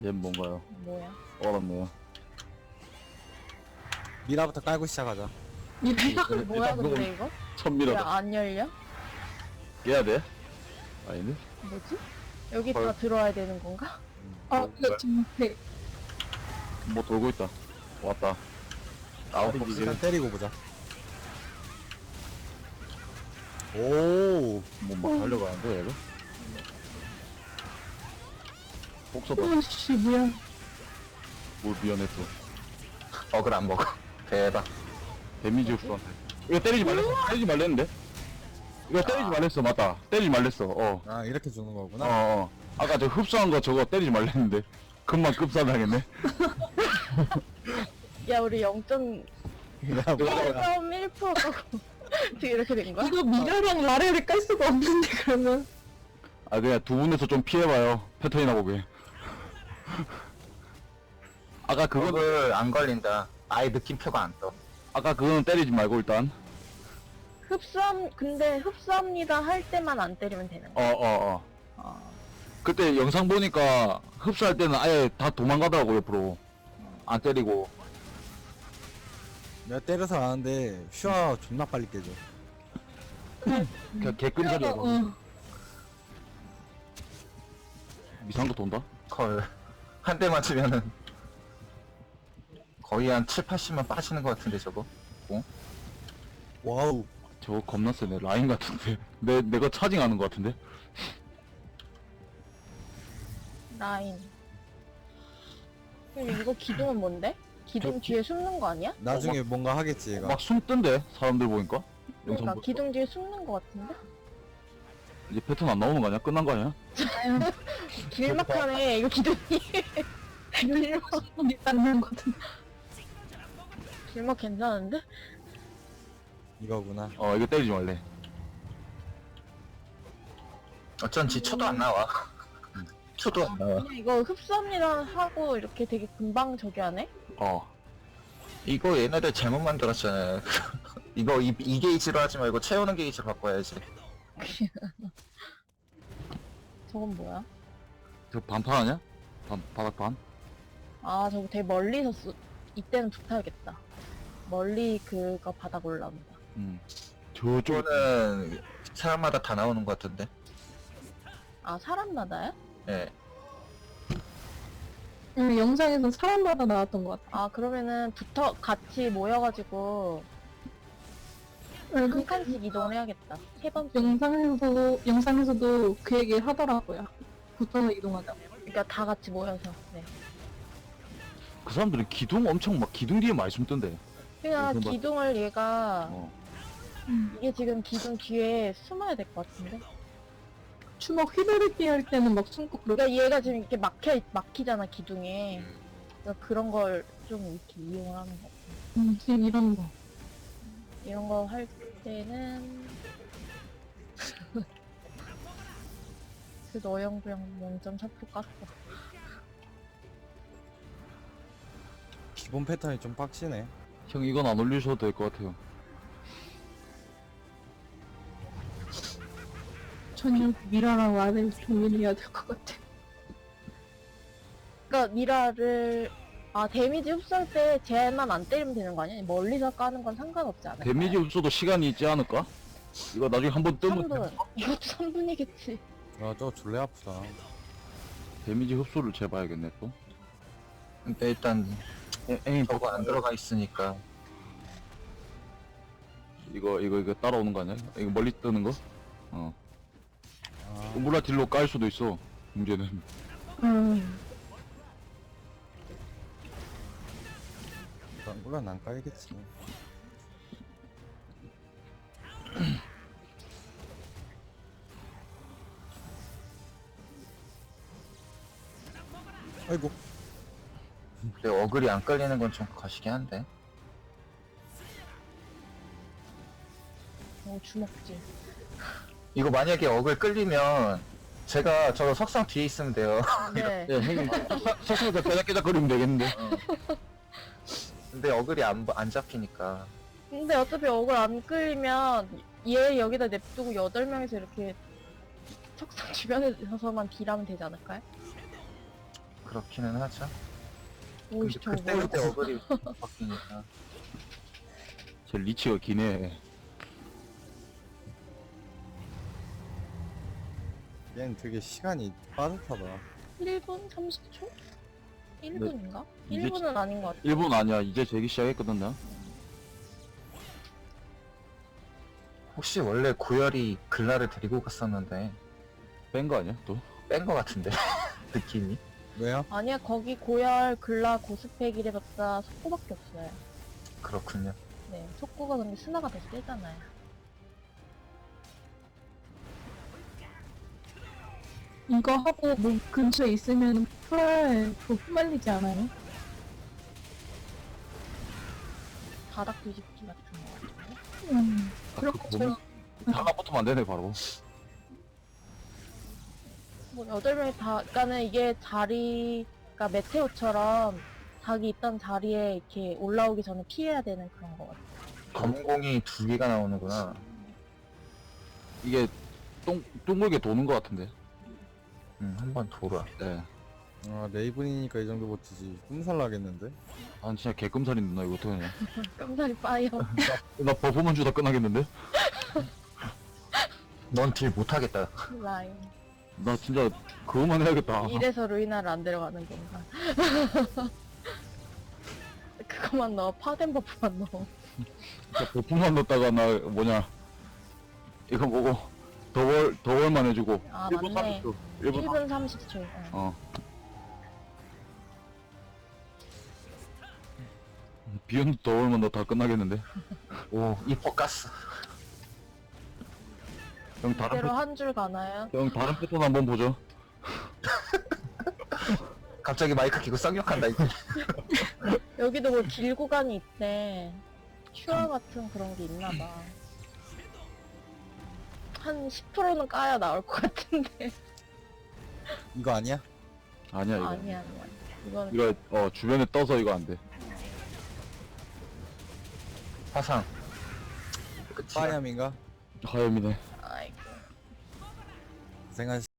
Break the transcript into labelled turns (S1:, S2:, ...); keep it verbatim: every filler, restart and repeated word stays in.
S1: 얘 뭔가요?
S2: 뭐야?
S1: 얼었네요.
S3: 미라부터 깔고 시작하자.
S2: 이거 뭐야
S1: 일단
S2: 근데 이거? 왜
S1: 천미라다.
S2: 안 열려?
S1: 깨야 돼? 아니네?
S2: 뭐지? 여기
S1: 헐.
S2: 다 들어와야 되는 건가?
S4: 아, 이거 지금 배.
S1: 뭐 돌고 있다. 왔다. 아웃 이제
S3: 일단 때리고 보자. 오,
S1: 뭐막 달려가는데 얘가? 복서다.
S4: 오씨, 미안.
S1: 뭘 미안했어.
S5: 어글 안 먹어. 대박.
S1: 데미지 흡수한테. 이거 때리지 말랬어. 때리지 말랬는데? 이거 때리지 말랬어. 맞다. 때리지 말랬어. 어.
S3: 아 이렇게 주는
S1: 어,
S3: 거구나.
S1: 어. 아까 저 흡수한 거 저거 때리지 말랬는데. 금방 급사당했네.
S2: 야 우리 영 점
S3: 야, 뭐야.
S2: 일 퍼센트 지금 이렇게 된 거야?
S4: 이거 미라랑 라레를 깔 수가 없는데, 그러면.
S1: 아, 그냥 두 분에서 좀 피해봐요. 패턴이나 보게. 아까 그거,
S5: 어글 안 걸린다. 아예 느낌표가 안 떠.
S1: 아까 그거는 때리지 말고 일단.
S2: 흡수함 근데 흡수합니다 할 때만 안 때리면 되는
S1: 어,
S2: 거야?
S1: 어, 어.
S2: 어.
S1: 그때 영상 보니까 흡수할 때는 아예 다 도망가더라고, 옆으로. 안 때리고.
S3: 내가 때려서 아는데 슈아 존나 빨리 깨져.
S1: 그냥 개끈살이야.
S4: 어, 어.
S1: 미상도 돈다?
S5: 헐. 한 대 맞으면은 거의 한 칠, 팔십만 빠지는 것 같은데 저거.
S3: 와우.
S1: 저거 겁나 세네. 라인 같은데. 내, 내가 차징하는 것 같은데?
S2: 라인. 그럼 이거 기둥은 뭔데? 기둥
S1: 저-
S2: 뒤에 숨는 거 아니야?
S3: 나중에 뭔가 하겠지 얘가.
S1: 막 숨던데? 사람들 보니까? 영상
S2: 그러니까
S1: 보
S2: 기둥 뒤에 숨는 거 같은데?
S1: 이제 패턴 안 나오는 거 아니야? 끝난 거 아니야?
S2: 길막하네 이거 기둥이. 길막
S4: 손이 닿는 거든.
S2: 길막 괜찮은데?
S3: 이거구나.
S1: 어, 이거 때리지 말래.
S5: 어쩐지 초도 안 나와. 초도 안 나와.
S2: 그냥 이거 흡수합니다 하고 이렇게 되게 금방 저기 하네?
S1: 어.
S5: 이거 얘네들 잘못 만들었잖아요. 이거 이, 이 게이지로 하지 말고 채우는 게이지로 바꿔야지.
S2: 저건 뭐야?
S1: 저 반판 아니야? 반, 바닥판?
S2: 아 저거 되게 멀리서 쓰... 이때는 붙어야겠다. 멀리 그거 바닥 올라온다.
S1: 음. 저쪽,
S5: 이거는 사람마다 다 나오는 것 같은데.
S2: 아 사람마다야?
S5: 예.
S4: 응, 영상에서 사람마다 나왔던 것 같아.
S2: 아 그러면은 붙어 같이 모여가지고
S4: 응,
S2: 한 칸씩 이동을 해야겠다. 세 번째.
S4: 영상에서도, 영상에서도 그 얘기 하더라고요. 붙어서 이동하자.
S2: 그러니까 다 같이 모여서. 네.
S1: 그 사람들은 기둥 엄청 막 기둥 뒤에 많이 숨던데.
S2: 그냥
S1: 그건 뭐-
S2: 기둥을 얘가
S1: 어.
S2: 이게 지금 기둥 뒤에 숨어야 될 것 같은데.
S4: 주먹 휘두르기 할 때는 막 숨고 그러고.
S2: 그러니까 얘가 지금 이렇게 막혀 막히잖아 기둥에. 그러니까 그런 걸 좀 이렇게 이용을 하는 거.
S4: 음, 지금 이런 거.
S2: 이런 거 할 때는 그 너영부영 영 점 사 퍼센트 깠어.
S3: 기본 패턴이 좀 빡치네.
S1: 형, 이건 안 올리셔도 될 것 같아요.
S4: 전혀 미라랑 라레를 고민해야 될 것 같아.
S2: 그러니까 미라를 아 데미지 흡수할 때 쟤만 안 때리면 되는 거 아니야? 멀리서 까는 건 상관없지 않을까?
S1: 데미지 흡수도 시간이 있지 않을까? 이거 나중에 한번 뜨면
S2: 삼 분. 이것도 삼 분이겠지.
S3: 아 저거 졸래 아프다.
S1: 데미지 흡수를 재봐야겠네, 또.
S5: 근데 일단
S1: 에임
S5: 저거 안 들어가 있으니까.
S1: 이거, 이거, 이거 따라오는 거 아니야? 이거 멀리 뜨는 거? 어.
S3: 아,
S1: 우물라 딜로 깔 수도 있어. 문제는.
S4: 음,
S3: 일단 물론 안 깔겠지. 아이고.
S5: 근데 어글이 안 깔리는 건 좀 거시긴 한데.
S2: 어 주먹질.
S5: 이거 만약에 어글 끌리면 제가 저 석상 뒤에 있으면 돼요.
S2: 네.
S1: 예, 형님. 서서히 깨작깨작거리면 되겠는데.
S5: 근데 어글이 안, 안 잡히니까.
S2: 근데 어차피 억울 안 끌리면 얘 여기다 냅두고 여덟 명이서 이렇게 척상 주변에 서서만 딜하면 되지 않을까요?
S5: 그렇기는 하죠.
S2: 오이씨
S5: 근데
S2: 저거
S5: 그때
S2: 뭐야?
S5: 그때 어글이 바뀌니까.
S1: 제 리치가 기네.
S3: 얘는 되게 시간이 빠듯하다.
S2: 일 분 삼십 초? 일 분인가?
S1: 이제
S2: 일 분은 아닌 것 같아.
S1: 일 분 아니야. 이제 재기 시작했거든, 나.
S5: 혹시 원래 고열이 글라를 데리고 갔었는데
S1: 뺀 거 아니야, 또?
S5: 뺀 거 같은데 느낌이.
S3: 왜요?
S2: 아니야 거기 고열, 글라, 고스펙 이래봤자 속구밖에 없어요.
S5: 그렇군요.
S2: 네, 속구가 근데 스나가 더 세잖아요.
S4: 이거 하고 뭐 근처에 있으면 풀 더 휘말리지 않아요?
S2: 바닥 뒤집기 같은 거 같은데?
S4: 음,
S1: 아,
S4: 그런
S1: 그거
S4: 것처럼
S1: 하나 붙으면 안 되네, 바로.
S2: 뭐 여덟 명이 다, 그러니까는 이게 자리, 그러니까 메테오처럼 자기 있던 자리에 이렇게 올라오기 전에 피해야 되는 그런 거 같아.
S5: 검은 공이 두 개가 나오는구나.
S1: 이게 동, 둥글게 도는 거 같은데.
S5: 음, 한번 돌아.
S1: 네.
S3: 아, 레이븐이니까 이 정도 버티지. 꿈살 나겠는데?
S1: 아, 진짜 개끔살이 누나, 이거 어떡하냐.
S2: 깜짝이 빠이어.
S1: 나 버프만 주다 끝나겠는데?
S5: 넌 딜 못하겠다.
S2: 라인.
S1: 나 진짜 그거만 해야겠다.
S2: 이래서 루이나를 안 데려가는 건가. 그거만 넣어. 파덴 버프만 넣어.
S1: 진짜 버프만 넣었다가 나 뭐냐. 이거 보고 더월, 더월만 해주고.
S2: 아,
S1: 일 분
S2: 맞네.
S1: 삼십 초. 일 분
S2: 일 분 삼십 초. 응.
S1: 어. 비욘드 더월만 넣어 다 끝나겠는데?
S5: 오, 이퍼 가스.
S1: 형 다른
S2: 이대로
S1: 패,
S2: 한 줄 가나요?
S1: 형 다른 패턴 한번 보죠.
S5: 갑자기 마이크 켜고 쌍욕한다 이제.
S2: 여기도 뭐 길구간이 있대. 큐어 같은 그런 게 있나 봐. 한 십 퍼센트는 까야 나올 것 같은데.
S3: 이거 아니야?
S1: 아니야 이거.
S2: 아니야, 아니야. 이거는
S1: 이거 어 주변에 떠서 이거 안 돼.
S5: 화상. 끝이야.
S3: 파이암인가?
S1: 하염이네.
S2: 아이고.
S3: 고생하셨